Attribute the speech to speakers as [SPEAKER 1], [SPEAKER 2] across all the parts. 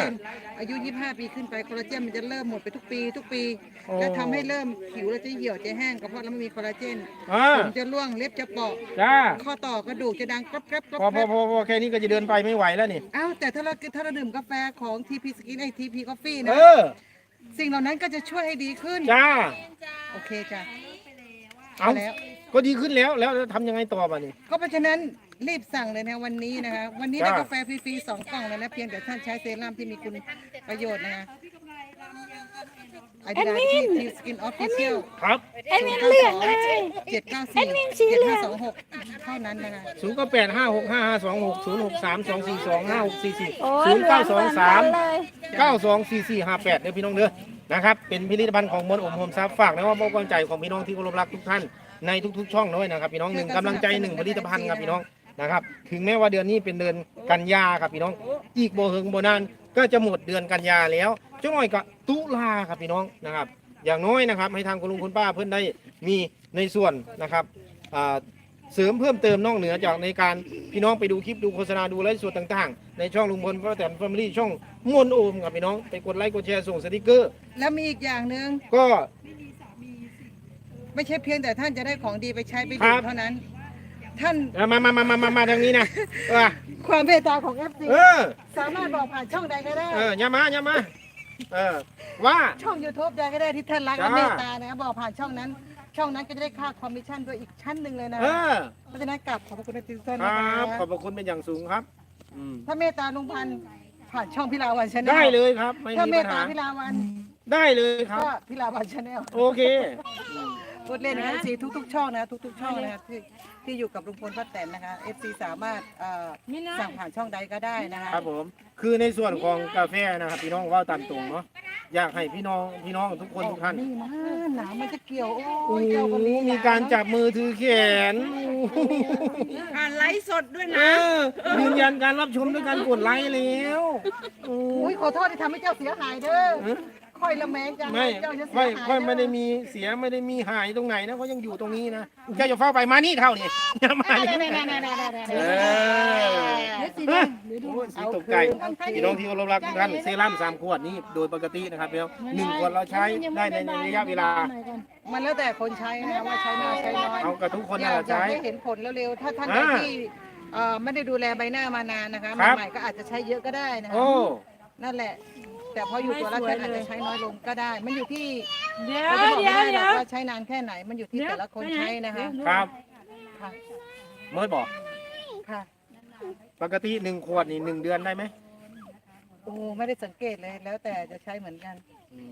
[SPEAKER 1] นอายุ25 ปีขึ้นไปคอลลาเจนมันจะเริ่มหมดไปทุกปีและทำให้เริ่มผิวเราจะเหี่ยวจะแห้งก็เพราะเราไม่มีคอลลาเจนผมจะร่วงเล็บจะเปราะ
[SPEAKER 2] จ้า
[SPEAKER 1] ข้อต่อกระดูกจะดังกรอบ
[SPEAKER 2] พอแค่นี้ก็จะเดินไปไม่ไหวแล้วนี่
[SPEAKER 1] อ้าวแต่ถ้าเราดื่มกาแฟของ TP Skin ไอ TP Coffee นะสิ่งเหล่านั้นก็จะช่วยให้ดีขึ้น
[SPEAKER 2] จ้า
[SPEAKER 1] โอเคจ้ะ
[SPEAKER 2] เอาแล้วก็ดีขึ้นแล้วทำยังไงต่อมานี่
[SPEAKER 1] ก็เพราะฉะนั้นรีบสั่งเลยนะวันนี้นะคะวันนี้ได้กาแฟฟรีๆ2 กล่องเลยนะเพียงแต่ท่านใช้เซรั่มที่มีคุณประโยชน์นะคะไอเดียที่ทีสกินออฟฟิเชียล
[SPEAKER 2] ครับ
[SPEAKER 3] แอดมินเลือกเลย
[SPEAKER 1] 794 7526เท่านั้นนะคะ
[SPEAKER 2] 0856520623242923924458เด้อพี่น้องเด้อนะครับเป็นผลิตภัณฑ์ของมนต์อมโฮมซับฝากนะว่าความใจของพี่น้องที่เคารพรักทุกท่านในทุกๆช่องด้วยนะครับพี่น้อง1กำลังใจ1ผลิตภัณฑ์ครับพี่น้องนะครับถึงแม้ว่าเดือนนี้เป็นเดือนกันยาครับพี่น้องอีกโบเฮงโบนานก็จะหมดเดือนกันยาแล้วจ้าหน่อยกับตุลาครับพี่น้องนะครับอย่างน้อยนะครับให้ทางคุณลุงคุณป้าเพื่อนได้มีในส่วนนะครับเสริมเพิ่มเติมนอกเหนือจากในการพี่น้องไปดูคลิปดูโฆษณาดูไลฟ์สดต่างๆในช่องลุงพลป้าแตนแฟมิลี่ช่องมนต์โอมครับพี่น้องไปกดไลค์กดแชร์ส่งสติกเกอร์
[SPEAKER 1] แล้วมีอีกอย่างหนึ่ง
[SPEAKER 2] ก็
[SPEAKER 1] ไม่ใช่เพียงแต่ท่านจะได้ของดีไปใช้ไปดื่มเท่านั้นท่าน
[SPEAKER 2] มาทางนี้นะ
[SPEAKER 1] ความเมตตาของ FC สามารถบอกผ่านช่องใดก็ได้
[SPEAKER 2] อย่ามาว่า
[SPEAKER 1] ช่อง YouTube ใดก็ได้ที่ท่านรักและเมตตานะบอกผ่านช่องนั้นก็จะได้ค่าคอมมิชชั่นด้วยอีกชั้นหนึ่งเลยนะเพราะฉะนั้นกลับขอบพระคุณทุกท่านนะครับ
[SPEAKER 2] ขอบพระคุณเป็นอย่างสูงครับ
[SPEAKER 1] ถ้าเมตตาลุงพันธ์ผ่านช่องพิลาวันชาแนล
[SPEAKER 2] ได้เลยครับ
[SPEAKER 1] ถ้าเมตตาพิลาวัน
[SPEAKER 2] ได้เลยครับ
[SPEAKER 1] ก็พิลาวันชาแนล
[SPEAKER 2] โอเค
[SPEAKER 1] พูดเล่นนะFCทุกช่องนะทุกช่องนะที่อยู่กับลุงพลป้าแตนนะคะ FC สามารถสั่งผ่านช่องใดก็ได้นะคะ
[SPEAKER 2] ครับผมคือในส่วนของกาแฟนะครับพี่น้องว่าตามตรงเนาะอยากให้พี่น้องทุกคนทุกท่าน
[SPEAKER 1] นี่นะหนาวมันจะเกี่ยว
[SPEAKER 2] มีการจับมือถือแขน
[SPEAKER 1] ไลฟ์สดด้วยนะ
[SPEAKER 2] ยืนยันการรับชมด้วยการกดไลค์แล้ว
[SPEAKER 1] ขอโทษที่ทำให้เจ้าเสียหายเด้อค่อยละแมงจัง
[SPEAKER 2] ค่อยไม่ได้มีเสียไม่ได้มีหายตรงไหนนะก็ยังอยู่ตรงนี้นะแกจะเฝ้าไปมานี่เท่านี่อย่ามาสีตกใจพี่น้องที่เคารพรักทุกท่านเซรั่ม3 ขวดนี้โดยปกตินะครับพี่น้อง1 ขวดเราใช้ได้ในระยะเวลา
[SPEAKER 1] มันแล้วแต่คนใช้นะว่าใช้มากใช้น้อย
[SPEAKER 2] เอากับทุกคนนะใช้
[SPEAKER 1] ให้เห็นผลเร็วๆถ้าท่านที่ไม่ได้ดูแลใบหน้ามานานนะคะใหม่ก็อาจจะใช้เยอะก็ได้นะคะนั่นแหละแต่พออยู่ตัวแล้วอาจจะใช้น้อยลงก็ได้ มันอยู่ที่เดี๋ยวว่าใช้นานแค่ไหนมันอยู่ที่แต่ละคนใช้นะคะ
[SPEAKER 2] ครับ
[SPEAKER 1] ค่ะ
[SPEAKER 2] เมื่อบอก
[SPEAKER 1] ค่ะ
[SPEAKER 2] ปกติ1 ขวดนี่1 เดือนได้ไหม
[SPEAKER 1] โอ้ไม่ได้สังเกตเลยแล้วแต่จะใช้เหมือนกัน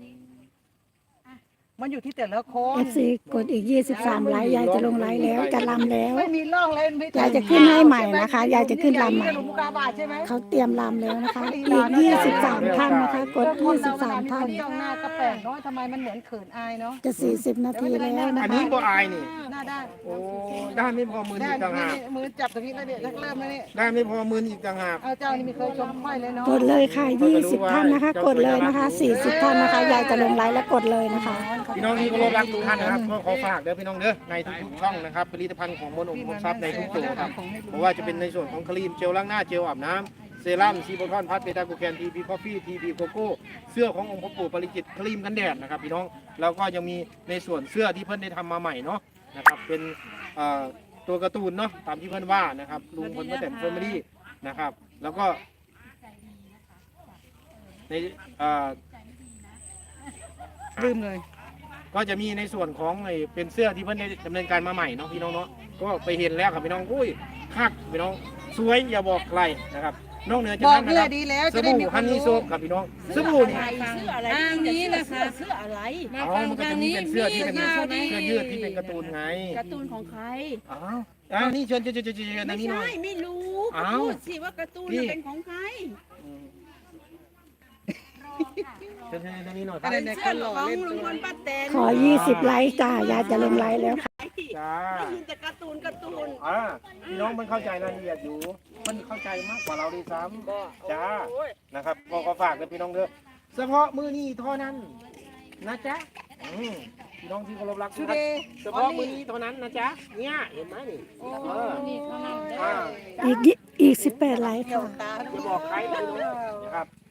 [SPEAKER 1] มันอยู่ที่แต่ละคน
[SPEAKER 3] FC กดอีก23 ไลค์ยายจะลงไลค์แล้วจะลำแล้ว
[SPEAKER 1] ไม่มีร่องเลย
[SPEAKER 3] ยายจะขึ้นให้ใหม่นะคะยายจะขึ้นลำใหม่เขาเตรียมลำแล้วนะคะอีก23 ท่านนะคะกด23 ท่าน
[SPEAKER 1] จ้องหน้าก็แปลกเนาะทำไมมันเหมือนเขินอายเนาะ
[SPEAKER 3] จะ40 นาทีแล้วนะคะ
[SPEAKER 2] อันนี้ก็อายนี่
[SPEAKER 1] หน้าได้
[SPEAKER 2] โอ้ได้ไม่พอมืออีกต่างหาก
[SPEAKER 1] มือจับตรงนี้แล้วเนี่ยเริ่มแล้วนี่
[SPEAKER 2] ได้ไม่พอมืออีกต่างหาก
[SPEAKER 1] เอาเจ้านี่มีเคยชมค่อยเลยเนาะ
[SPEAKER 3] กดเลยค่ะ20 ท่านนะคะกดเลยนะคะ40 ท่านนะคะยายจะลงไลค์แล้วกดเลยนะคะ
[SPEAKER 2] พี่น้องที่เคารพรักทุกท่านนะครับก็ขอฝากเด้อพี่น้องเด้อในทุกๆช่องนะครับผลิตภัณฑ์ของมนต์อมทรัพย์ในทุกตัวครับเพราะว่าจะเป็นในส่วนของครีมเจลล้างหน้าเจลอาบน้ำเซรั่มซีโบทอนพัทเบต้าโกแคนทีพีคอฟฟี่ทีพีโกโก้เสื้อขององค์พระปู่ปริจิตครีมกันแดดนะครับพี่น้องแล้วก็ยังมีในส่วนเสื้อที่เพิ่นได้ทำมาใหม่เนาะนะครับเป็นตัวการ์ตูนเนาะตามที่เพิ่นว่านะครับลุงพลป้าแตนแฟมิลี่นะครับแล้วก็ใน
[SPEAKER 1] ลืมเลย
[SPEAKER 2] ก็จะมีในส่วนของเป็นเสื้อที่เพิ่นได้ดำเนินการมาใหม่เนาะพี่น้องเนาะก็ไปเห็นแล้วครับพี่น้องอุ้ยคักพี่น้องสวยอย่าบอกใครนะครับนอกเหนือจากนั้นนะครับสบู่ฮันนี่โซฟครับพี่น้องสบู่นี่
[SPEAKER 1] ทางนี้นะคะ
[SPEAKER 4] เสื้ออะไร
[SPEAKER 2] มาฟังทางนี้เป็นเสื้อที่เป็นเสื้อยืดที่เป็นการ์ตูนไง
[SPEAKER 4] การ์ตูนของใคร
[SPEAKER 2] นี่เชิญทางนี้หน่อย
[SPEAKER 4] ไม่รู้พูดสิว่าการ์ตูนเป็นของใคร
[SPEAKER 2] เชิญทางนี้หน่อย
[SPEAKER 4] เสื้อของลุงพลป้าแตน
[SPEAKER 3] ขอ20 ไลค์จ้ายายจะลงไลค์แล้วค่ะ
[SPEAKER 2] จ้า
[SPEAKER 4] แต่การ์ตูน
[SPEAKER 2] พี่น้องมันเข้าใจรายละเอียดอยู่มันเข้าใจมากกว่าเราด้วยซ้ำจ้านะครับก็ฝากเลยพี่น้องเด้อเฉพาะมือนี้เท่านั้นนะจ๊ะพี่น้องที่เคารพรักทุกท่านเฉพาะมือนี้เท่านั้นนะจ๊ะเนี่ยเห็นไหมนี่
[SPEAKER 3] อีก18 ไลค์ค่ะ
[SPEAKER 2] จะบอกใครเลยนะครับ